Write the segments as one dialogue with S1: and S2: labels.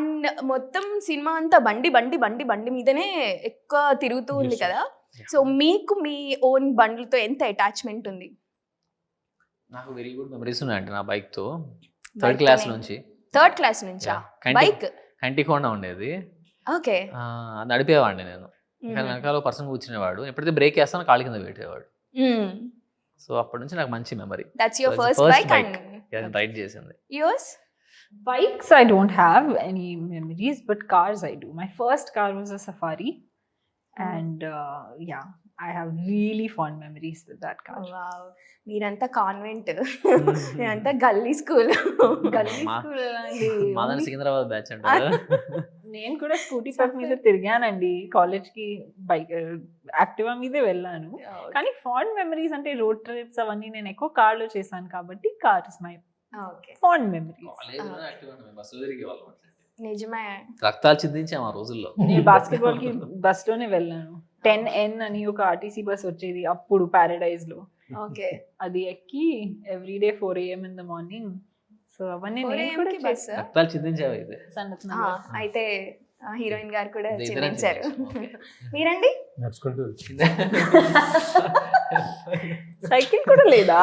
S1: And మొత్తం cinema అంతా బండి మీదనే ఎక్కువ తిరుగుతూ ఉంది
S2: Yes,
S1: కదా. సో మీకు మీ ఓన్ బండ్లతో ఎంత అటాచ్మెంట్ ఉంది?
S3: నాకు వెరీ గుడ్ మెమరీస్ ఉన్నాయండి నా బైక్ తో. థర్డ్ క్లాస్ నుంచి.
S1: థర్డ్ క్లాస్ నుంచా బైక్?
S3: కంటికోండా ఉండేది.
S1: ఓకే.
S3: నడిపేవాడిని నేను. వెనకాల పర్సన్ కూర్చునేవాడు. ఎప్పుడైతే బ్రేక్ వేస్తానో కాళ్ళ కింద పెట్టేవాడు. సో అప్పటి నుంచి నాకు మంచి memory.
S1: That's your first bike and
S3: ride చేసింది.
S1: Yours?
S4: Bikes, I don't have any memories, but cars I do. My first car was a Safari, and yeah, I have really fond memories with that car.
S1: Wow, మీరంతా convent, మీరంతా గల్లీ school.
S4: గల్లీ
S3: మా-
S4: school
S3: మాదని Secunderabad batch అంటారు.
S4: నేను కూడా scooty పక్క మీద తిరిగానండి. కాలేజ్ కి బైక్ యాక్టివా మీదే వెళ్ళాను. కానీ ఫాండ్ మెమరీస్ అంటే రోడ్ ట్రిప్స్ అవన్నీ నేను ఎక్కువ కార్ లో చేశాను కాబట్టి car is my
S1: okay,
S4: fond memories.
S1: నిజమే.
S3: రక్తాలు చిందించాం ఆ రోజుల్లో.
S4: నేను బాస్కెట్బాల్ కి బస్ లోనే వెళ్ళాను. 10N అని ఒక ఆర్టీసీ బస్ వచ్చేది అప్పుడు పారడైజ్ లో.
S1: ఓకే,
S4: అది ఎక్కి everyday 4 AM in the morning. So అవన్నీ నేను కూడా
S1: బస్.
S3: రక్తాలు చిందించావు అయితే.
S1: అయితే హీరోయిన్ గారు కూడా
S3: ఇద్దరం
S1: చిందించారు.
S3: చిందించాం.
S1: మీరండి?
S2: నడుచుకుంటూ
S4: సైకిల్ కూడా లేదా?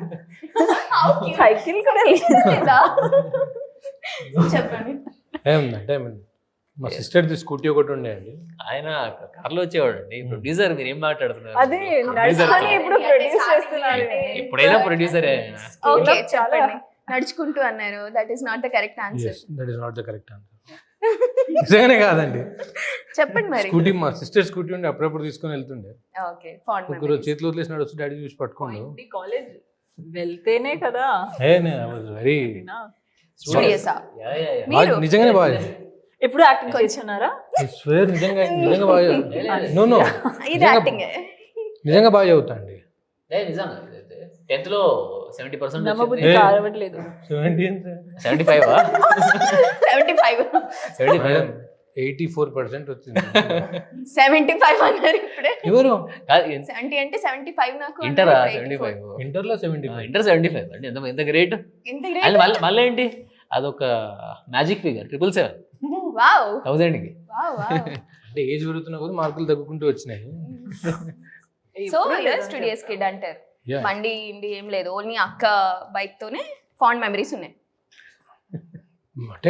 S4: సైకిల్ కూడా లేదా?
S1: చెప్పండి.
S2: ఏముందంటే మా సిస్టర్ది స్కూటీ ఒకటి ఉండే అండి.
S3: ఆయన కార్లో వచ్చేవాడు అండి. ప్రొడ్యూసర్ మీరు ఏం మాట్లాడుతున్నారు?
S4: అదే నడుచుకొని ఇప్పుడు ప్రొడ్యూస్ చేస్తున్నారు.
S3: ఎప్పుడైనా ప్రొడ్యూసరే.
S1: ఓకే,
S4: చాలా
S1: చెప్పండి. నడుచుకుంటూ అన్నారు. That is not the correct answer.
S2: That is not the correct answer. నిజంగానే కాదండి.
S1: చెప్పండి మరి.
S2: స్కూటీ మా సిస్టర్ స్కూటీ ఉండి అప్పుడప్పుడు తీసుకొని వెళ్తుండే.
S1: ఓకే, ఫాండ్
S2: ఒకరోజు చేతిలో వదిలేసినాడు, వచ్చి డాడీ చూసి పట్టుకోండు.
S4: కాలేజ్ వెళ్తేనే కదా.
S2: వెరీ
S1: స్టూడియోసా?
S3: Yeah, yeah, yeah.
S1: మీరు?
S2: నిజంగానే బాగా
S4: ఎప్పుడు యాక్టింగ్ చేస్తున్నారా?
S2: స్వేర్ నిజంగా బాగా. నో
S1: ఇది యాక్టింగ్.
S2: నిజంగా బాగా చదువుతా అండి.
S3: నిజంగా 10th లో 70%
S4: నమ్మబుద్ధి కారవట్లేదు.
S3: 75
S1: 75
S2: 84% వచ్చింది.
S1: 75 అన్నారు ఇప్పుడే.
S2: ఎవరు
S1: 70 అంటే 75 నాకు.
S3: ఇంటరా
S1: అన్నారు.
S3: 75?
S2: ఇంటర్లో 75.
S3: ఇంటర్ 75 అంటే ఎంత గ్రేట్.
S1: ఎంత
S3: అండ్
S1: గ్రేట్.
S3: మళ్ళీ ఏంటి అదొక మ్యాజిక్ ఫిగర్ 777
S1: వావ్
S3: 1000కి.
S1: Wow wow.
S2: అంటే ఏజ్ పెరుగుతున్న కొద్ది మార్కులు తగ్గుకుంటూ వచ్చినాయి.
S1: సో యూఆర్ స్టూడియోస్ కిడ్ అంటారు.
S2: Yeah.
S1: బండి ఇండి ఏం లేదు, ఓన్లీ అక్క బైక్ తోనే ఫాండ్ మెమరీస్ ఉన్నాయి.
S2: అంటే